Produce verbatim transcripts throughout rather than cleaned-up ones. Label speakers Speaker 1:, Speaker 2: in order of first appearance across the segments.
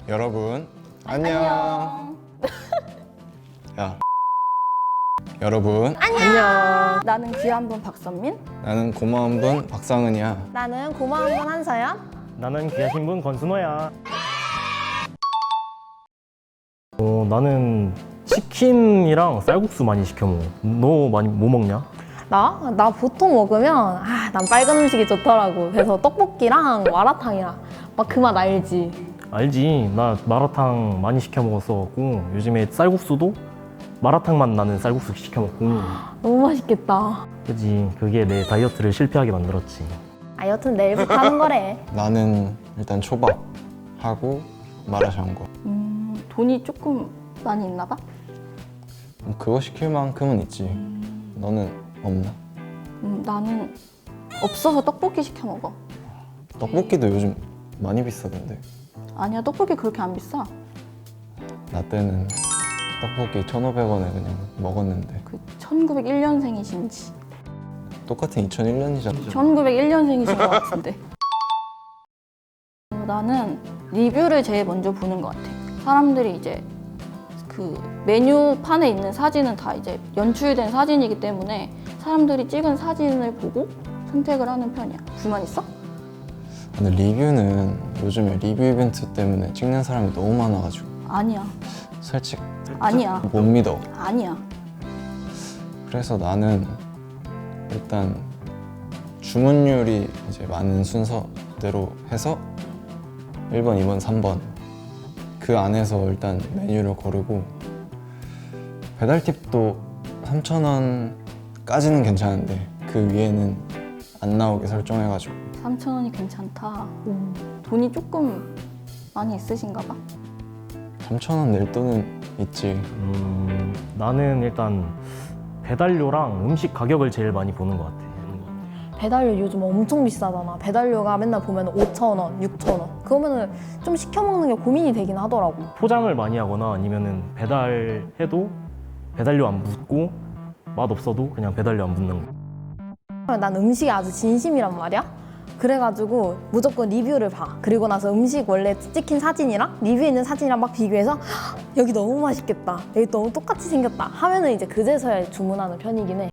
Speaker 1: 여러분 안녕. 야 여러분
Speaker 2: 안녕. 나는 귀한 분 박선민.
Speaker 1: 나는 고마운 분 박상은이야.
Speaker 2: 나는 고마운 분 한서연.
Speaker 3: 나는 귀하신 분 권순호야. 어, 나는 치킨이랑 쌀국수 많이 시켜 먹어. 너 많이 뭐 먹냐?
Speaker 2: 나? 나 보통 먹으면 아, 난 빨간 음식이 좋더라고. 그래서 떡볶이랑 마라탕이랑 막 그 맛 알지?
Speaker 3: 알지. 나 마라탕 많이 시켜 먹었어갖고 요즘에 쌀국수도 마라탕 맛 나는 쌀국수 시켜 먹고.
Speaker 2: 너무 맛있겠다.
Speaker 3: 그지. 그게 내 다이어트를 실패하게 만들었지.
Speaker 2: 아 여튼 내일부터 하는 거래.
Speaker 1: 나는 일단 초밥 하고 마라샹궈.
Speaker 2: 음, 돈이 조금 많이 있나 봐?
Speaker 1: 그거 시킬 만큼은 있지. 너는 없나?
Speaker 2: 음, 나는 없어서 떡볶이 시켜 먹어.
Speaker 1: 떡볶이도 요즘 많이 비싸던데.
Speaker 2: 아니야, 떡볶이 그렇게 안 비싸.
Speaker 1: 나 때는 떡볶이 천오백 원에 그냥 먹었는데.
Speaker 2: 그 천구백일 년생이신지
Speaker 1: 똑같은 이천일 년이잖아.
Speaker 2: 천구백일 년생이신 것 같은데. 어, 나는 리뷰를 제일 먼저 보는 것 같아. 사람들이 이제 그 메뉴판에 있는 사진은 다 이제 연출된 사진이기 때문에 사람들이 찍은 사진을 보고 선택을 하는 편이야. 불만 있어?
Speaker 1: 근데 리뷰는 요즘에 리뷰 이벤트 때문에 찍는 사람이 너무 많아가지고
Speaker 2: 아니야.
Speaker 1: 솔직히
Speaker 2: 아니야.
Speaker 1: 못 믿어.
Speaker 2: 아니야.
Speaker 1: 그래서 나는 일단 주문율이 이제 많은 순서대로 해서 일 번, 이 번, 삼 번 그 안에서 일단 메뉴를 고르고 배달 팁도 삼천 원까지는 괜찮은데 그 위에는 안 나오게 설정해가지고
Speaker 2: 삼천 원이 괜찮다. 오, 돈이 조금 많이 있으신가 봐.
Speaker 1: 삼천 원 낼 돈은 있지.
Speaker 3: 음, 나는 일단 배달료랑 음식 가격을 제일 많이 보는 것 같아.
Speaker 2: 배달료 요즘 엄청 비싸잖아. 배달료가 맨날 보면 오천 원, 육천 원. 그러면은 좀 시켜 먹는 게 고민이 되긴 하더라고.
Speaker 3: 포장을 많이 하거나 아니면은 배달해도 배달료 안 붙고 맛 없어도 그냥 배달료 안 붙는 거.
Speaker 2: 난 음식에 아주 진심이란 말이야. 그래가지고 무조건 리뷰를 봐. 그리고 나서 음식 원래 찍힌 사진이랑 리뷰에 있는 사진이랑 막 비교해서 "헉, 여기 너무 맛있겠다. 여기 너무 똑같이 생겼다. 하면은 이제 그제서야 주문하는 편이긴 해.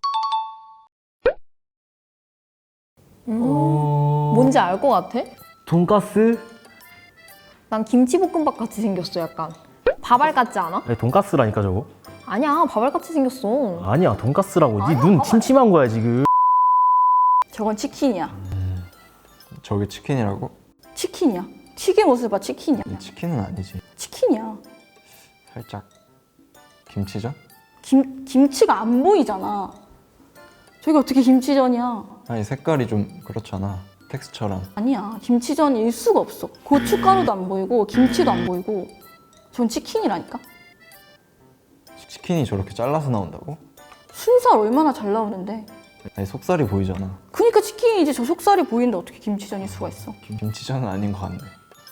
Speaker 2: 음,
Speaker 3: 어...
Speaker 2: 뭔지 알 것 같아?
Speaker 3: 돈가스?
Speaker 2: 난 김치볶음밥 같이 생겼어, 약간. 밥알 같지 않아?
Speaker 3: 아니, 돈가스라니까 저거.
Speaker 2: 아니야, 밥알 같이 생겼어.
Speaker 3: 아니야, 돈가스라고. 네
Speaker 2: 아니야,
Speaker 3: 눈
Speaker 2: 봐봐.
Speaker 3: 침침한 거야 지금.
Speaker 2: 저건 치킨이야.
Speaker 1: 저게 치킨이라고?
Speaker 2: 치킨이야. 튀긴 모습 봐, 치킨이야.
Speaker 1: 이 치킨은 아니지.
Speaker 2: 치킨이야.
Speaker 1: 살짝 김치전?
Speaker 2: 김, 김치가 안 보이잖아. 저게 어떻게 김치전이야?
Speaker 1: 아니 색깔이 좀 그렇잖아. 텍스처랑.
Speaker 2: 아니야, 김치전일 수가 없어. 고춧가루도 안 보이고 김치도 안 보이고 전 치킨이라니까?
Speaker 1: 치킨이 저렇게 잘라서 나온다고?
Speaker 2: 순살 얼마나 잘 나오는데.
Speaker 1: 아니 속살이 보이잖아.
Speaker 2: 그니까 치킨이지. 저 속살이 보이는데 어떻게 김치전일 수가 있어.
Speaker 1: 김치전은 아닌 것 같네.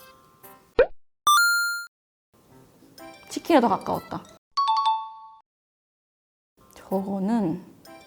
Speaker 2: 치킨에 더 가까웠다. 저거는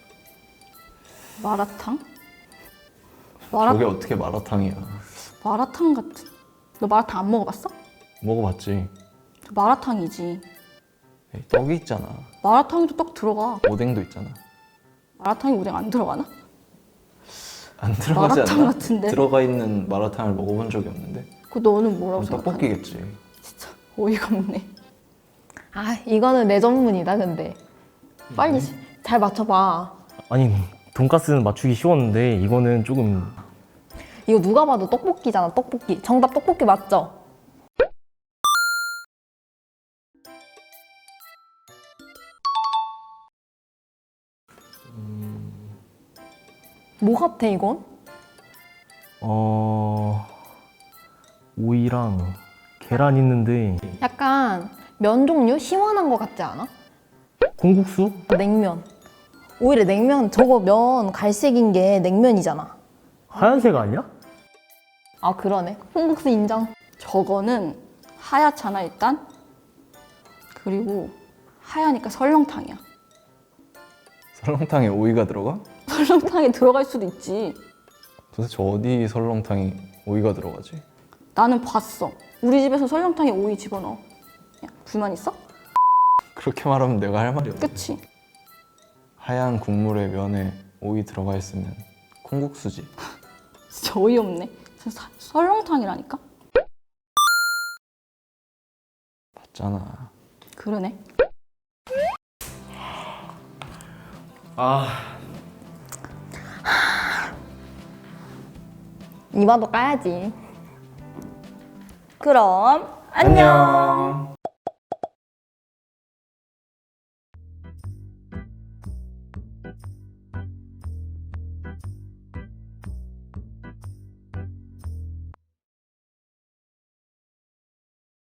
Speaker 2: 마라탕? 마라,
Speaker 1: 저게 어떻게 마라탕이야?
Speaker 2: 마라탕 같은. 너 마라탕 안 먹어봤어?
Speaker 1: 먹어봤지.
Speaker 2: 마라탕이지.
Speaker 1: 에이, 떡이 있잖아.
Speaker 2: 마라탕에도 떡 들어가.
Speaker 1: 오뎅도 있잖아.
Speaker 2: 마라탕에 오뎅 안 들어가나?
Speaker 1: 안 들어가지
Speaker 2: 마라탕
Speaker 1: 않나?
Speaker 2: 같은데?
Speaker 1: 들어가 있는 마라탕을 먹어본 적이 없는데.
Speaker 2: 그 너는 뭐라고
Speaker 1: 그럼
Speaker 2: 생각하냐?
Speaker 1: 떡볶이겠지.
Speaker 2: 진짜 어이가 없네. 아 이거는 내 전문이다 근데. 빨리 잘 맞춰봐.
Speaker 3: 아니, 돈가스는 맞추기 쉬웠는데 이거는 조금.
Speaker 2: 이거 누가 봐도 떡볶이잖아, 떡볶이. 정답 떡볶이 맞죠? 뭐 같아 이건?
Speaker 3: 어... 오이랑 계란 있는데
Speaker 2: 약간 면 종류 시원한 거 같지 않아?
Speaker 3: 콩국수?
Speaker 2: 냉면. 오히려 냉면 저거 면 갈색인 게 냉면이잖아.
Speaker 3: 하얀색 아니야?
Speaker 2: 아 그러네. 콩국수 인정. 저거는 하얗잖아 일단. 그리고 하얘니까 설렁탕이야.
Speaker 1: 설렁탕에 오이가 들어가?
Speaker 2: 설렁탕에 들어갈 수도 있지.
Speaker 1: 도대체 어디 설렁탕이 오이가 들어가지?
Speaker 2: 나는 봤어. 우리 집에서 설렁탕에 오이 집어넣어. 야, 불만 있어?
Speaker 1: 그렇게 말하면 내가 할 말이 없네.
Speaker 2: 그치?
Speaker 1: 하얀 국물에 면에 오이 들어가 있으면 콩국수지.
Speaker 2: 진짜 어이없네. 진짜 사- 설렁탕이라니까?
Speaker 1: 맞잖아.
Speaker 2: 그러네.
Speaker 3: 아,
Speaker 2: 이마도 까야지. 그럼 안녕.